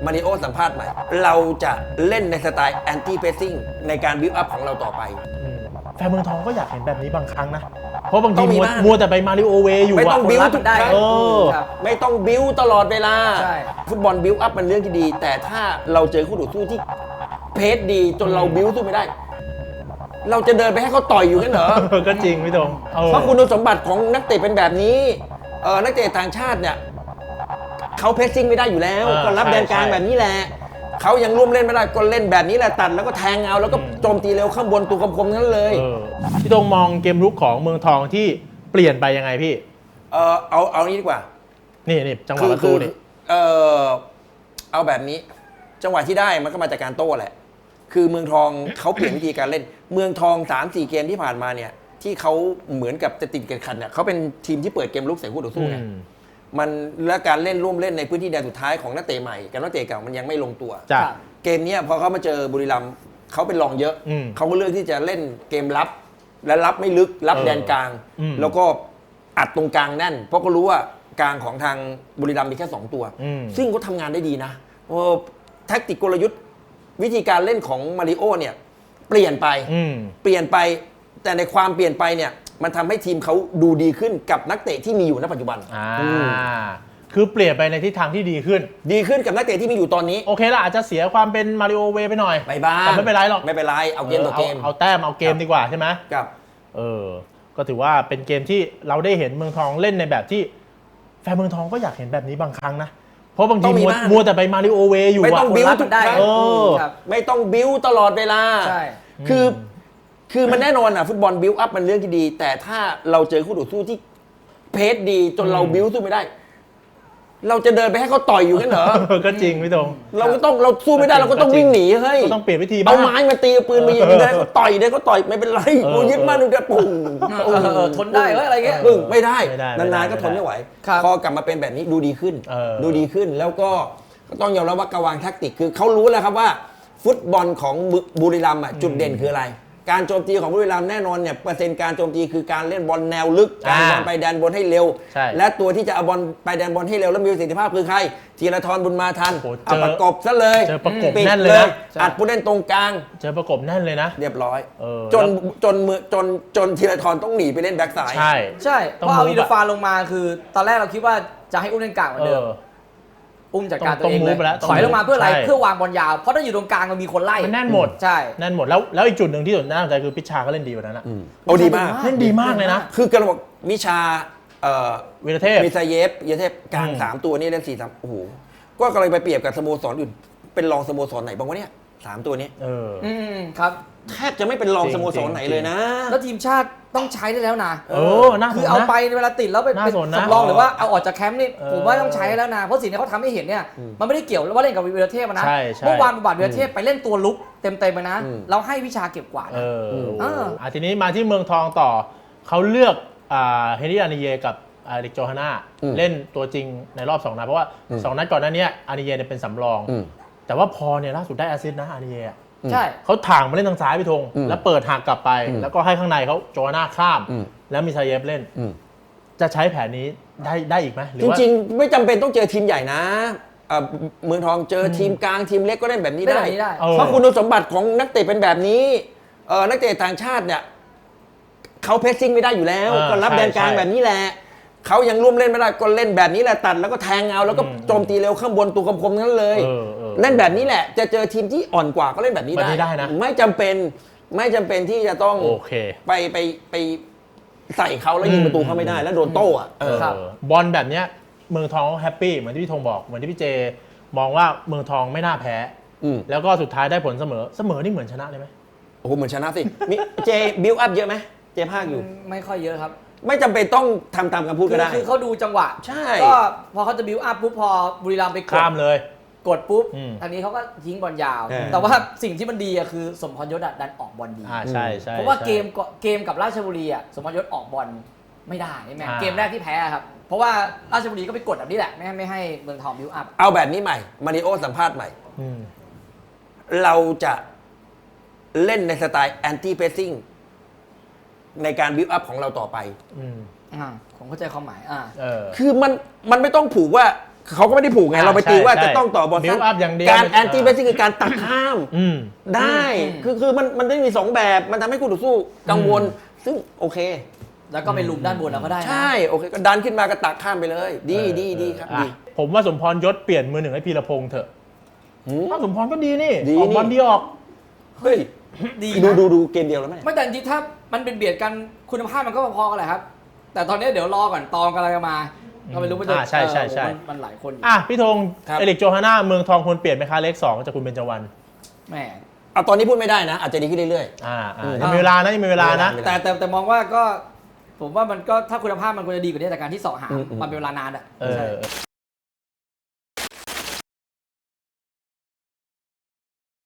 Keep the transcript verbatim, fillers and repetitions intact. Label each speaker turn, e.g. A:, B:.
A: มาริโอสัมภาษณ์ใหม่เราจะเล่นในสไตล์แอนตี้เพสซิ่งในการบิวอัพของเราต่อไป
B: แฟนเมืองทองก็อยากเห็นแบบนี้บางครั้งนะเพราะบางทีมัวแต่ไปมาริโอเวอยู่ไม่
A: ต้องบิวทุกได้ไม่ต้องบิวตลอดเวลาฟุตบอลบิวอัพมันเรื่องที่ดีแต่ถ้าเราเจอคู่ต่อสู้ที่เพสดีจนเราบิวสู้ไม่ได้เราจะเดินไปให้เขาต่อยอยู่กันเหรอ
B: ก็จริงพี่ตง
A: เพราะคุณสมบัติของนักเตะเป็นแบบนี้เออนักเตะต่างชาติเนี่ยเขาเพสซิ่งไม่ได้อยู่แล้วก็รับแดนกลางแบบนี้แหละเขายังร่วมเล่นไม่ได้ก็เล่นแบบนี้แหละตัดแล้วก็แทงเอาแล้วก็โจมตีเร็วข้างบนตัวคมๆนั้นเลย
B: พี่ตงมองเกมรุกของเมืองทองที่เปลี่ยนไปยังไงพี่
A: เออเอาเอานี้ดีกว่า
B: นี่นี่จังหวะประตูนี่
A: เออเอาแบบนี้จังหวะที่ได้มันก็มาจากการโต้แหละคือเมืองทองเขาเปลี่ยนวิธีการเล่นเมืองทอง สามสี่ เกมที่ผ่านมาเนี่ยที่เขาเหมือนกับจะติดกันขันเนี่ยเขาเป็นทีมที่เปิดเกมลุกใส่คู่ต่อสู้ไงมันและการเล่นร่วมเล่นในพื้นที่แดนสุดท้ายของนักเตะใหม่กับนักเตะเก่ามันยังไม่ลงตัวเกมนี้พอเขามาเจอบุรีรัมย์เขาเป็นรองเยอะเขาก็เลือกที่จะเล่นเกมรับและรับไม่ลึกรับแดนกลางแล้วก็อัดตรงกลางแน่นเพราะก็รู้ว่ากลางของทางบุรีรัมย์มีแค่สองตัวซึ่งเขาทำงานได้ดีนะแท็กติกกลยุทธ์วิธีการเล่นของมาริโอเนี่ยเปลี่ยนไปเปลี่ยนไปแต่ในความเปลี่ยนไปเนี่ยมันทำให้ทีมเขาดูดีขึ้นกับนักเตะที่มีอยู่ณปัจจุบัน
B: อ่าคือเปลี่ยนไปในทิศทางที่ดีขึ้น
A: ดีขึ้นกับนักเตะที่มีอยู่ตอนนี้
B: โอเคละอาจจะเสียความเป็นมาริโอเวไปหน่อย
A: ไปบ้าง
B: แต่ไม่เป็นไรหรอก
A: ไม่เป็นไรเอาเกมต่อเกม
B: เอาแต้มเอาเกมดีกว่าใช่ไหม
A: ครับ
B: เออก็ถือว่าเป็นเกมที่เราได้เห็นเมืองทองเล่นในแบบที่แฟนเมืองทองก็อยากเห็นแบบนี้บางครั้งนะเพราะบางทีมัวแต่ไปมาริโอเวอยู่
A: ไม่ต้องบิวทุกได้ไม่ต้องบิวตลอดเวลาคือคือมันแน่นอนอ่ะฟุตบอลบิวอัพมันเรื่องที่ดีแต่ถ้าเราเจอคู่ต่อสู้ที่เพสดีจนเราบิวสู้ไม่ได้เราจะเดินไปให้เขาต่อยอยู่กันเหรอ
B: ก็จริงพี่ตง
A: เราก็ต้องเราสู้ไม่ได้เราก็ต้องวิ่งหนีเฮ้ย
B: ต้องเปลี่ยนวิธีบ้าง
A: เอาไม้มาตีปืนมายิงได้เขาต่อยได้เขาต่อยไม่เป็นไรกูยึดมั่นดูจะปุ่ง
C: ทนได้อะไรเงี้ย
A: ไม่ได้นานๆก็ทนไม่ไหวพอกลับมาเป็นแบบนี้ดูดีขึ้นดูดีขึ้นแล้วก็ต้องยอมรับว่ากวางแท็กติกคือเขารู้แล้วครับว่าฟุตบอลของบุรีรัมย์จุดเด่นคืออะไรการโจมตีของบุรีรัมย์แน่นอนเนี่ยเปอร์เซ็นต์การโจมตีคือการเล่นบอลแนวลึกการบอลไปแดนบนให้เร็วและตัวที่จะเอาบอลไปแดนบอลให้เร็วและมีประสิทธิภาพคือใครธีรทรบุญมาทันเอาประกบซะเลย
B: เจอประกบแน่นเลยนะ
A: อัดผู้เล่นตรงกลาง
B: เจอประกบแน่นเลยนะ
A: เรียบร้อยจนจนมือจนจนธีรทรต้องหนีไปเล่นแบ็คซ้าย
B: ใช่
C: ใช่เพราะเอาอินเตอร์ฟาลงมาคือตอนแรกเราคิดว่าจะให้อุ้มเล่นกลางเหมือนเดิมอุ้มจัดการตัวเองเลยถอยลงมาเพื่ออะไรเพื่อวางบอลยาวเพราะถ้าอยู่ตรงกลางมันมีคนไล่
B: มันแน่นหมด
C: ใช่
B: แน่นหมดแล้วแล้วอีกจุดหนึ่งที่น่าสนใจคือพิชชาก็เล่นดีกว่านั้นนะ
A: โอ้ดีมาก
B: เล่นดีมากเลยนะ
A: คือกระบอกมิชา
B: วิรเทพ
A: มิซาเยฟวิรเทพกลางสามตัวนี้เล่นสี่สามโอ้โหก็กำลังไปเปรียบกับสโมสรอื่นเป็นรองสโมสรไหนบ้างวะเนี่ยสามตัวนี้
B: เออ
C: อืมครับ
A: แทบจะไม่เป็นรองสโมสรไหนเลยนะ
C: แล้วทีมชาติต้องใช้ได้แล้วนะ
B: เออน่าสนนะ
C: คือเอาไปเวลาติดแล้วเป็นสำรองหรือว่าเอาออกจากแคมป์นี่ผมว่าต้องใช้แล้วนะเพราะสิ่งที่เขาทำให้เห็นเนี่ยมันไม่ได้เกี่ยวว่าเล่นกับวีรเทพนะเมื่อวานบุบัติวีรเทพไปเล่นตัวลุกเต็มๆไปนะเราให้วิชาเก็บกวาด
B: เอออ่ะทีนี้มาที่เมืองทองต่อเขาเลือกเฮนรี่อานิเยกับอเด็กโจฮาน่าเล่นตัวจริงในรอบสองนัดเพราะว่าสองนัดก่อนหน้านี้อานิเยเนี่ยเป็นสำรองแต่ว่าพอเนี่ยล่าสุดได้แอสซิสต์นะอานิเย
C: ใช่
B: เขาถ่างมาเล่นทางซ้ายพี่ธงแล้วเปิดหักกลับไปแล้วก็ให้ข้างในเขาโจฮาน่าข้ามแล้วมีซาเยฟเล่นจะใช้แผนนี้ได้ได้อีกไหม
A: จริงๆไม่จำเป็นต้องเจอทีมใหญ่นะเมืองทองเจอทีมกลางทีมเล็กก็เล่นแบบนี้ได้เพราะคุณสมบัติของนักเตะเป็นแบบนี้นักเตะต่างชาติเนี่ยเขาเพสซิ่งไม่ได้อยู่แล้วก็รับแดนกลางแบบนี้แหละเขายังร่วมเล่นไม่ได้ก็เล่นแบบนี้แหละตัดแล้วก็แทงเอาแล้วก็โจมตีเร็วข้างบนตัวคมๆนั้นเลยเล่นแบบนี้แหละจะเจอทีมที่อ่อนกว่าก็เล่นแบบนี้ได้นะไม่จำเป็นไม่จำเป็นที่จะต้องไปไปไปใส่เขาแล้วยิงประตูเขาไม่ได้แล้วโดนโต้อะ
B: บอลแบบเนี้ยเมืองทองแฮปปี้เหมือนที่พี่ธงบอกเหมือนที่พี่เจมองว่าเมืองทองไม่น่าแพ้แล้วก็สุดท้ายได้ผลเสมอเสมอนี่เหมือนชนะเลยไหม
A: โอ้โหเหมือนชนะสิมีเจบิลอัพเยอะไหมเจภาคอยู่
C: ไม่ค่อยเยอะครับ
A: ไม่จำเป็นต้องทำตามคำพูดก็ได้
C: คือเขาดูจังหวะ
A: ใช่
C: ก็พอเขาจะบิวอัพปุ๊บพอบุรีรัมย์ไปกด
B: ข้ามเลย
C: กดปุ๊บอันนี้เขาก็ทิ้งบอลยาวแต่ว่าสิ่งที่มันดีอะคือสมพรยศดันออกบอลดี
B: อ่าใช่ใช่
C: เพราะว่าเกมเกมกับราชบุรีอะสมพรยศออกบอลไม่ได้ใช่ไหมเกมแรกที่แพ้ครับเพราะว่าราชบุรีก็ไปกดแบบนี้แหละไม่ให้ไม่ให้เมืองทองบิวอัพ
A: เอาแบบนี้ใหม่มาริโอสัมภาษณ์ใหม่เราจะเล่นในสไตล์แอนตี้เพสซิ่งในการบิวอัพของเราต่อไป
C: อ่าผมเข้าใจความหมายอ่า
A: คือมันมันไม่ต้องผูกว่าเขาก็ไม่ได้ผูกไง
B: อ่า
A: เราไปตีว่า
B: ใช่
A: จะต้องต่อบอล
B: build up อย่างเดียว
A: การแอนตี้เบสซิ่งคือการตัดข้าม
B: อืม
A: ได้
C: อืม
A: คือคือมันมันได้มีสองแบบมันทำให้คู่ต่อสู้กังวล ซึ่งโอเค
C: แล้วก็ไปลุมด้านบนเราก็ได้นะ
A: ใช่โอเคก็ดันขึ้นมาก็ตักข้ามไปเลย ดี
B: เออ
A: ดีดีครับ
B: อ่ะ
A: ดี
B: ผมว่าสมพรยศเปลี่ยนมือหนึ่งให้พีรพงษ์เถอะ
A: หืม
B: ถ้าสมพรก็ดีนี่
A: ดี
B: ออกบอล
A: นี่
B: ดีออก
A: เฮ้ย
C: ดี
A: ดู
C: นะ
A: ดูดูเกมเดียวแล้วไหม
C: ไม่แต่จริงๆถ้ามันเป็นเบียดกันคุณภาพมันก็พอๆกันแหละครับ แต่ตอนนี้เดี๋ยวรอก่อนตองกำลังจะมาก็ไม่รู้มันจะ
B: อ่าใช่ใช่ใช่
C: เออมันมันหลายคนอยู่
B: อ่ะพี่ธง
A: ครับ
B: เอริกโจฮาน่าเมืองทองควรเปลี่ยนไหมคะเลขสองจากคุณเบญจวรรณ
C: แหม
A: เอาตอนนี้พูดไม่ได้นะ อาจจะดีขึ้นเรื่อย
B: อ่าอ่า
A: อืม
B: ยังมีเวลานะยังมีเวลานะ
A: เวลา
C: แต่แต่แต่มองว่าก็ ผมว่ามันก็ถ้าคุณภาพมันควรจะดีกว่านี้แต่การที่เสาะหา
A: อืมอืม
C: มันเป็นเวลานานอ่ะ
B: เอ
C: ใช่
B: อ